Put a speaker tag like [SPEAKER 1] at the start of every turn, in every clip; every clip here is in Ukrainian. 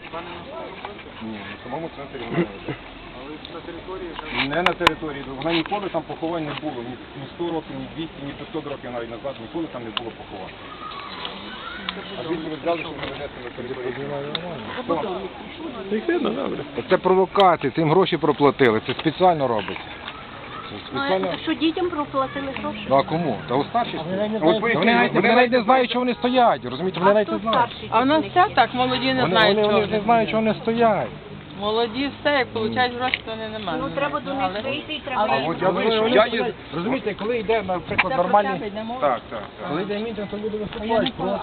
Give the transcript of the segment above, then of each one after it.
[SPEAKER 1] Ні, на самому центрі вона не лежить. Не на території, вона ніколи там поховань не було, ні 100 років, ні 200, ні 500 років навіть назад, ніколи там не було поховань. А звідки ви взяли, що ви ведете на території?
[SPEAKER 2] Це провокація, цим гроші проплатили, це спеціально робиться.
[SPEAKER 3] А що дітям проплатили гроші?
[SPEAKER 2] Ну а кому? Та у старші.
[SPEAKER 1] От
[SPEAKER 2] Вони навіть не знають, що вони стоять, розумієте, вони навіть не знають.
[SPEAKER 4] А в нас все так, молоді не знають,
[SPEAKER 2] Вони
[SPEAKER 4] чого.
[SPEAKER 2] ж не знають, що вони стоять.
[SPEAKER 4] Молоді все, як получають гроші, то вони не мають.
[SPEAKER 3] Ну треба до них вийти і треба
[SPEAKER 1] А
[SPEAKER 3] їх.
[SPEAKER 1] от я вийшов, я їду.
[SPEAKER 2] Розумієте, коли йде, наприклад,
[SPEAKER 4] Це
[SPEAKER 2] нормальний...
[SPEAKER 4] про тебе йде мова?
[SPEAKER 1] Так, так.
[SPEAKER 2] Коли йде мітинг, то люди виступають проти.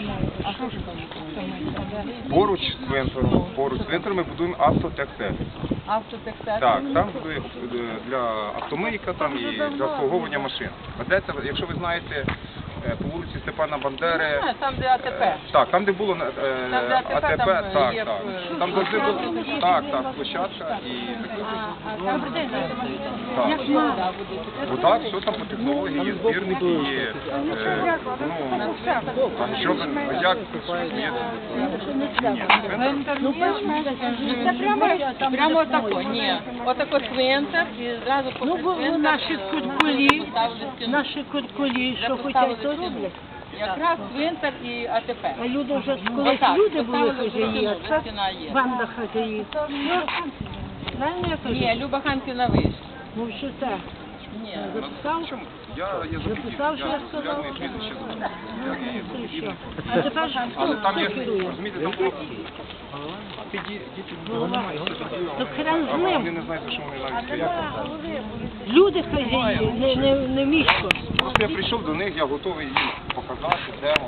[SPEAKER 1] Поруч з цвинтарем ми будуємо автотехсервіс.
[SPEAKER 4] Автотехсервіс.
[SPEAKER 1] Так, там буде для автомийка там і для обслуговування машин. Ведеться, якщо ви знаєте, по вулиці Степана Бандери.
[SPEAKER 4] Там, де АТП.
[SPEAKER 1] Так, там де було
[SPEAKER 4] Там, де
[SPEAKER 1] АТП,
[SPEAKER 4] там
[SPEAKER 1] так,
[SPEAKER 4] є,
[SPEAKER 1] так. Там завжди було, так, площадка і так, все там по технології, є збірники, є, там щоден, як, є,
[SPEAKER 4] Прямо отако, ні. Отако цвинтар і зразу по цвинтару.
[SPEAKER 5] Наші куркулі, що хочуть, то роблять.
[SPEAKER 4] Якраз цвинтар і АТП.
[SPEAKER 5] А люди вже колись
[SPEAKER 4] Отак,
[SPEAKER 5] люди були
[SPEAKER 4] поставили,
[SPEAKER 5] хазяї, а це
[SPEAKER 4] стіна є.
[SPEAKER 5] банда хазяїв. Правильно я кажу?
[SPEAKER 4] Ні, Люба Ханкіна вище.
[SPEAKER 5] Ну що так?
[SPEAKER 4] Ні.
[SPEAKER 5] Записав?
[SPEAKER 1] я
[SPEAKER 5] Записав, що я сказав?
[SPEAKER 1] популярний прізвище записав.
[SPEAKER 5] Це що? А тепер ж
[SPEAKER 1] Але
[SPEAKER 5] хто
[SPEAKER 1] там є,
[SPEAKER 5] керує?
[SPEAKER 1] розумієте, там було...
[SPEAKER 5] Ну хрен з
[SPEAKER 1] А вони
[SPEAKER 5] ним.
[SPEAKER 1] не знають, за що вони навіть стоять.
[SPEAKER 5] Люди хазяї, не місько.
[SPEAKER 1] Просто я прийшов до них, я готовий їм показати, де